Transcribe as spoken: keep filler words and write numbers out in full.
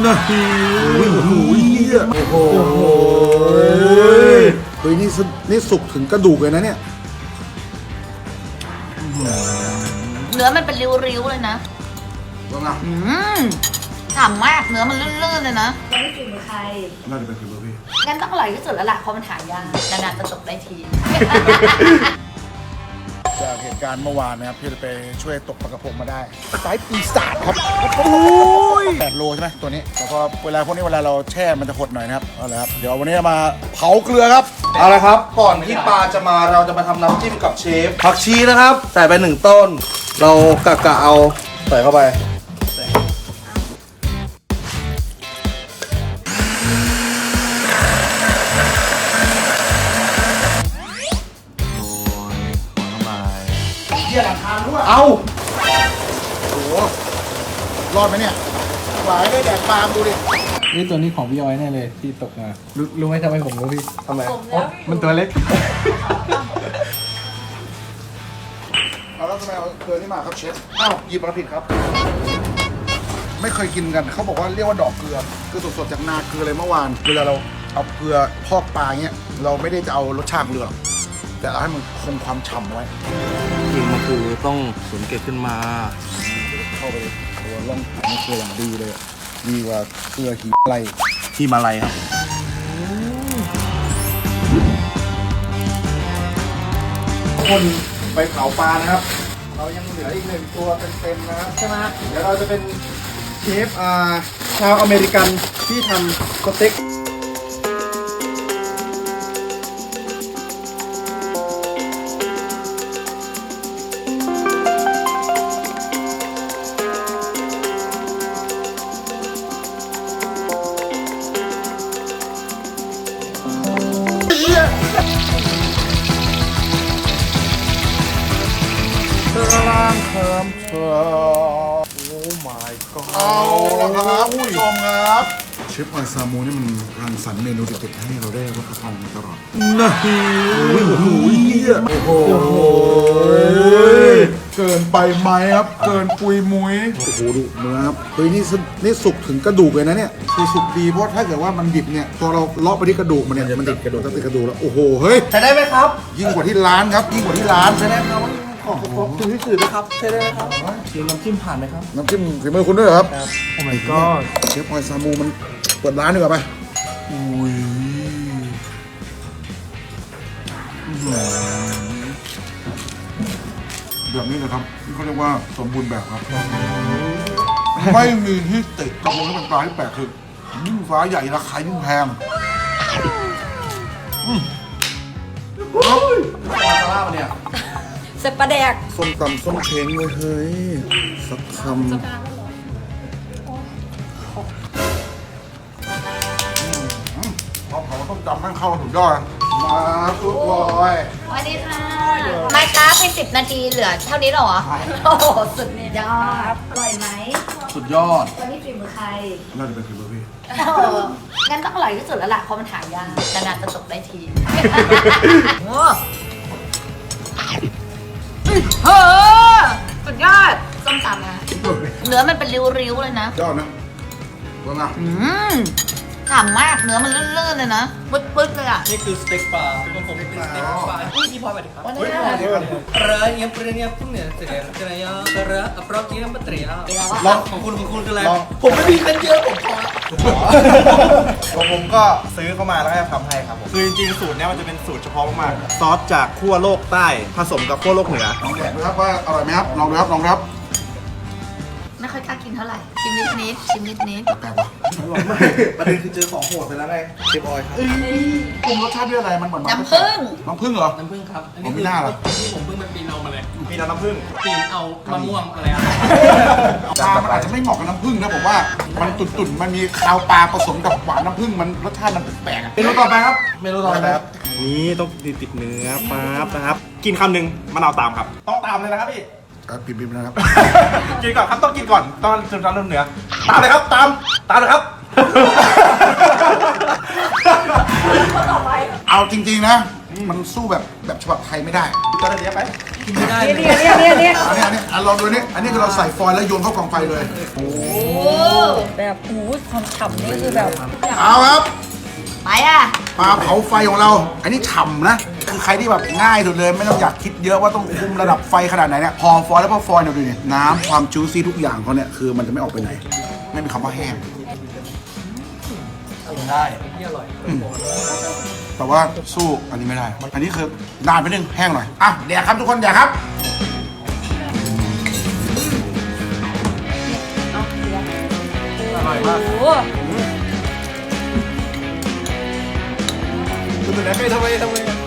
นะฮิวโอ้โหโอ้โหเฮ้ยนี่นี่สุกถึงกระดูกเลยนะเนี่ยเนื้อมันเป็นริ้วๆเลยนะว่าไงอืมฉ่ำมากเนื้อมันลื่นๆเลยนะแล้วไม่กินมือใครน่าจะเป็นคือพี่งั้นต้องอร่อยที่สุดแล้วล่ะเพราะมันหายากนานๆจะจบได้ทีจากเหตุการณ์เมื่อวานนะครับพี่จะไปช่วยตกปลากระพงมาได้สายปีศาจครับแปดโลใช่ไหมตัวนี้แต่พอเวลาพวกนี้เวลาเราแช่มันจะหดหน่อยนะครับเอาละครับเดี๋ยววันนี้มาเผาเกลือครับเอาละครับก่อนที่ปลาจะมาเราจะมาทำน้ำจิ้มกับเชฟผักชีนะครับใส่ไปหนึ่งต้นเรากะกะเอาใส่เข้าไปเยี่ยหลังคาด้วยเอาโอ้โหรอดไหมเนี่ยหวายได้แดกปลาดูดินี่ตัวนี้ของพี่ออยแน่เลยที่ตกมารู้รู้ไหมทำไมผมรู้พี่ทำไมมันตัวเล็กเอาแล้วทำไมเอาเกลือนี่มาครับเชฟอ้าวหยิบมาผิดครับไม่เคยกินกันเขาบอกว่าเรียกว่าดอกเกลือคือสดๆจากนาเกลือเลยเมื่อวานเวลาเราเอาเกลือพอกปลาเงี้ยเราไม่ได้จะเอารสชาติเกลือแต่เราให้มันคงความฉ่ำไว้จริงมันคือต้องสวนเก็บขึ้นมาเข้าไปตัวล่องนี่เกลืออย่างดีเลยดีกว่าเกลือหิอะไรที่มาลัยครับคนไปเผาปลานะครับเรายังเหลืออีกหนึ่งตัวเต็มๆนะครับใช่ไหมเดี๋ยวเราจะเป็นเชฟอ่าชาวอเมริกันที่ทำสเต็กเพิ่มเพิ่มโอ้ my god เอาละครับผู้ชมครับเชฟออยซามูนี่มันรังสรรค์เมนูเด็ดๆให้เราได้รับประทานมาตลอดนะฮิวโอ้โหโอ้โหเกินไปไหมครับเกินปุยมุ้ยโอ้โหดูเนื้อครับเฮ้ยนี่นี่สุกถึงกระดูกเลยนะเนี่ยคือสุกดีเพราะถ้าเกิดว่ามันดิบเนี่ยพอเราเลาะไปที่กระดูกมันเนี่ยมันติดกระดูกติดกระดูกแล้วโอ้โหเฮ้ยใช้ได้ไหมครับยิ่งกว่าที่ร้านครับยิ่งกว่าที่ร้านใช้ได้ครับขอขอถึงที่สื่อนะครับใช่ได้ไหมครับเดี๋ยวน้ำจิ้มผ่านไหมครับน้ำจิ้มฝีมือคุณด้วยเหรอครับโอ้ my god เชฟออยซามูมันเปิดร้านดีกว่าไปอุ้ยแบบนี้นะครับที่เขาเรียกว่าสมบูรณ์แบบครับไม่มีที่ติดกระพงที่เป็นปลาที่แปลกคือยิ่งฟ้าใหญ่ราคายิ่งแพงมาซาร่าเนี่ยเสร็จปลาแดกส้มตำส้มเช้งเลยเฮ้ยสักคำพอเผาต้มตำให้เข้าถึงยอดมาทุกคนสวัสดีค่ะไม่ค้าไปสิบนาทีเหลือเท่านี้หรอโอ้โหสุดยอดอร่อยไหมสุดยอดวันนี้ฝีมือใครน่าจะเป็นฝีมือพี่งั้นต้องอร่อยที่สุดแล้วล่ะเพราะมันหายากนานๆจะจบได้ทีโอ้เฮ้อสุดยอดส้มตำนะเนื้อมันเป็นริ้วๆเลยนะยอดนะว่าไงอืมฉ่ำมากเนื้อมันลื่นๆเลยนะปึ๊ดๆเลยอ่ะนี่คือสเต็กปลาคือผมเป็นสเต็กปลาอุ้ยพี่พอไปดิครับวันนี้เรือเนี่ยเรือเนี่ยพวกเนี่ยเสร็จแล้วจะไหนอ่ะเรืออัปรอกี้น้ำปัตเตอร์ลองของคุณของคุณคืออะไรผมไม่มีกันเยอะผมพอของผมก็ซื้อเข้ามาแล้วให้ทำให้ครับผมคือจริงๆสูตรนี้มันจะเป็นสูตรเฉพาะมากๆซอสจากขั้วโลกใต้ผสมกับขั้วโลกเหนือลองแดกดูครับว่าอร่อยไหมครับลองดูครับลองครับไม่ค่อยกล้ากินเท่าไหร่ชิมนิดนิดชิมนิดนิดแปลกว่ะประเด็นคือเจอของโหดไปแล้วไงเชฟออยครับปรุงรสชาติด้วยอะไรมันเหมือนน้ำผึ้งน้ำผึ้งเหรอน้ำผึ้งครับผมไม่น่าหรอที่ผมเพิ่งมันปีนเอามาเลยปีนเอาน้ำผึ้งปีนเอามะม่วงอะไรอะปลามันอาจจะไม่เหมาะกับน้ำผึ้งนะผมว่ามันตุ่นๆมันมีคาวปลาผสมกับหวานน้ำผึ้งมันรสชาติมันแปลกเมนูต่อไปครับเมนูต่อไปครับนี่ต้องติดเนื้อปั๊บนะครับกินคำหนึ่งมะนาวตามครับต้องตามเลยนะครับพี่ปิดๆนะครับกินก่อนครับต้องกินก่อนต้องจนจนเริ่มเหนือตามเลยครับตามตามเลยครับเอาจริงๆนะมันสู้แบบแบบฉบับไทยไม่ได้จะได้เนี้ยไปกินไม่ได้เนี่ยเนี่ยเนี่ยเนี่ยอันนี้อันนี้ลองดูนี่อันนี้คือเราใส่ฟอยล์แล้วโยนเข้ากองไฟเลยโอ้แบบโอ้โหความฉ่ำนี่คือแบบเอาครับไปอ่ะปลาเผาไฟของเรา อันนี้ฉ่ำนะ คือใครที่แบบง่ายสุดเลย ไม่ต้องอยากคิดเยอะว่าต้องคุมระดับไฟขนาดไหนเนี่ยพอฟอยล์แล้วพอฟอยล์เนี่ยดูเนี่ยน้ำความจูซี่ทุกอย่างเขาเนี่ยคือมันจะไม่ออกไปไหน ไม่มีคำว่าแห้งได้ที่อร่อยอืมแต่ว่าสู้อันนี้ไม่ได้ อันนี้คือนานไปนึงแห้งหน่อย อ่ะเดี๋ยวครับทุกคนเดี๋ยวครับอร่อยมากโอ้โหคุณเป็นไงทำไมทำไม